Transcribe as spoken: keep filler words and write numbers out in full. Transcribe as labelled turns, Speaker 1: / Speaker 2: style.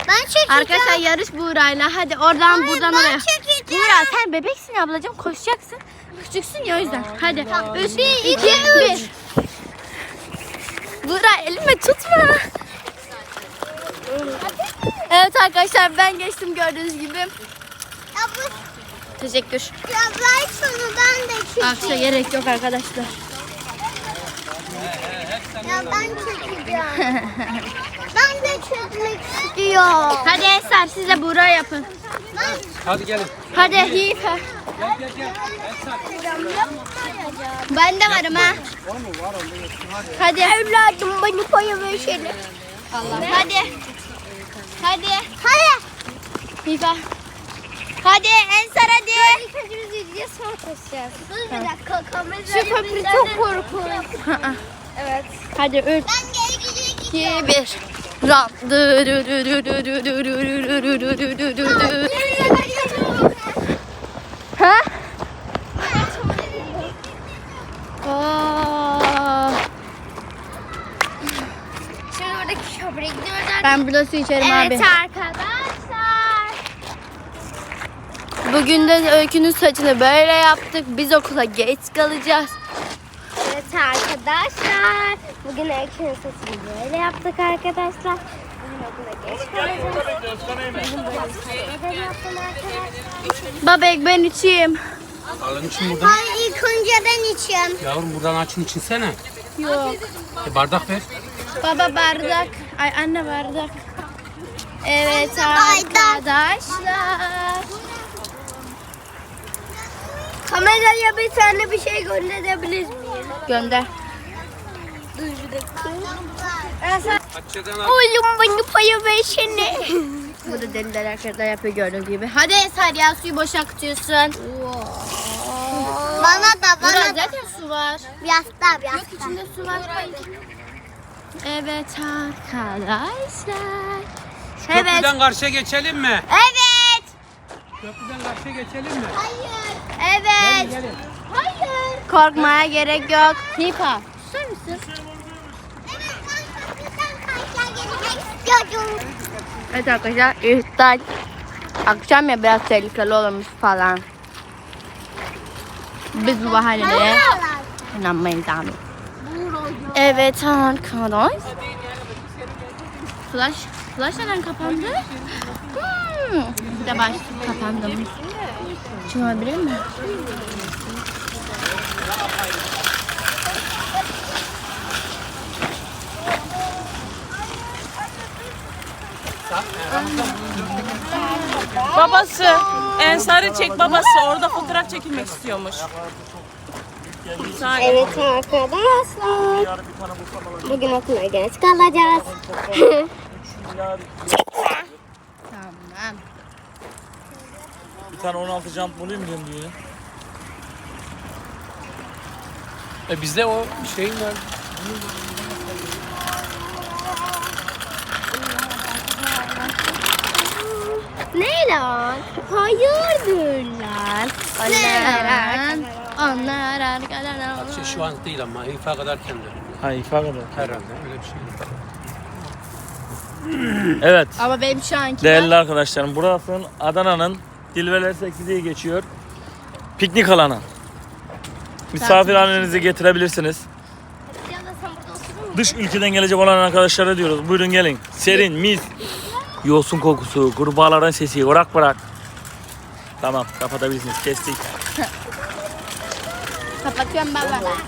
Speaker 1: Ben çekeceğim.
Speaker 2: Arkadaşlar yarış Buğra'yla. Hadi oradan
Speaker 1: Hayır,
Speaker 2: buradan
Speaker 1: ben
Speaker 2: oraya.
Speaker 1: çekeceğim.
Speaker 2: Buğra sen bebeksin ablacığım, koşacaksın. Küçüksün ya o yüzden. Hadi. Üç,
Speaker 1: Bir,
Speaker 2: iki,
Speaker 1: iki,
Speaker 2: bir. Buğra elime tutma. Evet arkadaşlar ben geçtim gördüğünüz gibi.
Speaker 1: Ya bu
Speaker 2: Teşekkür.
Speaker 1: yaprak sonu ben de çekeyim.
Speaker 2: Akşa gerek yok arkadaşlar.
Speaker 1: Ya ben çekeceğim. Ben de çekmek istiyorum.
Speaker 2: Hadi Eser siz de Buğra yapın.
Speaker 1: Ben
Speaker 3: Hadi gelin.
Speaker 2: Hadi Hife.
Speaker 3: Gel gel gel.
Speaker 2: Ben de varım ha. Hadi.
Speaker 1: evladım beni koya versene.
Speaker 2: Allah. Hadi. Hadi.
Speaker 1: Hadi.
Speaker 2: Hife. Hadi Ensar hadi.
Speaker 1: İlk önce biz yürüyeceğiz sonra koşacağız. Dur bir dakika kamerayı.
Speaker 2: Şu köprü çok korkunç. Evet. Hadi üç,
Speaker 1: Ben geri gidiyorum.
Speaker 2: iki, bir. Ram. Dı dı dı dı dı dı dı dı dı dı dı dı dı dı. Ha? Aa,
Speaker 1: Şimdi oradaki köprüye gidiyoruz.
Speaker 2: ben burada su içerim abi.
Speaker 1: Evet arkadaşlar.
Speaker 2: Bugün de Öykü'nün saçını böyle yaptık. Biz okula geç kalacağız.
Speaker 1: Evet arkadaşlar. Bugün Öykü'nün saçını böyle yaptık arkadaşlar. Bugün okula geç kalacağız. Bugün böyle saçma yaptım arkadaşlar.
Speaker 2: Babek ben içeyim.
Speaker 3: Alın için buradan.
Speaker 1: Hayır ilk önce ben içeyim.
Speaker 3: Yavrum buradan açın içinsene.
Speaker 2: Yok.
Speaker 3: E, bardak ver.
Speaker 2: Baba bardak. Ay anne bardak. Evet
Speaker 1: Bardak.
Speaker 2: arkadaşlar.
Speaker 1: Kameraya bir tane bir şey gönderebilir miyim?
Speaker 2: Gönder.
Speaker 1: Dur bir dakika.
Speaker 3: Açıdan aç.
Speaker 1: Oğlum beni paya versene.
Speaker 2: Burada deliler arkadaşlar yapıyor gördüğünüz gibi. Hadi Eser ya suyu boş akıtıyorsun.
Speaker 1: Bana da
Speaker 2: Burada
Speaker 1: bana da.
Speaker 2: zaten su var.
Speaker 1: Biraz daha biraz
Speaker 2: Yok içinde su var. Evet arkadaşlar. Evet.
Speaker 3: Köprüden karşıya geçelim mi?
Speaker 2: Evet.
Speaker 3: Köprüden karşıya geçelim mi?
Speaker 1: Hayır.
Speaker 2: Evet.
Speaker 3: Gelin.
Speaker 1: Hayır.
Speaker 2: Korkmaya gerek yok. Hipa. Susar mısın?
Speaker 1: Evet ben köprüden karşıya gelecek istiyordum.
Speaker 2: Evet arkadaşlar iftar. Akşam ya biraz tehlikeli olmuş falan. Biz bu bahaneye inanmayız abi. Evet arkadaş. Flash. Flash neden kapandı? Hmm. Bir de baş kapandı. Çıkabilir mi?
Speaker 4: Babası. Ensar'ı çek babası. Orada fotoğraf çekilmek istiyormuş. Saniye.
Speaker 1: Evet arkadaşlar. Bugün okula geç kalacağız.
Speaker 2: Tamam.
Speaker 5: Bir tane on altı jump bulayım diyorum diyor.
Speaker 3: E bizde o şeyin var.
Speaker 1: Ne lan? Hayırdır lan?
Speaker 2: Onlar, onlar arkadan.
Speaker 3: Şey, şu an değil ama ifa kadarken de.
Speaker 5: Ha ifade kadar.
Speaker 3: Herhalde öyle bir şey.
Speaker 5: Evet.
Speaker 2: Ama benim şu anki
Speaker 5: Değerli arkadaşlarım, burası Adana'nın Dilveler sekiz diye geçiyor. Piknik alanı. Misafirhanenizi getirebilirsiniz. Dış ülkeden gelecek olan arkadaşlara diyoruz. Buyurun gelin. Serin, mis. Yosun kokusu, kurbağaların sesi. Bırak bırak. Tamam, kapatabilirsiniz. Kestik.
Speaker 2: kapatıyorum baba.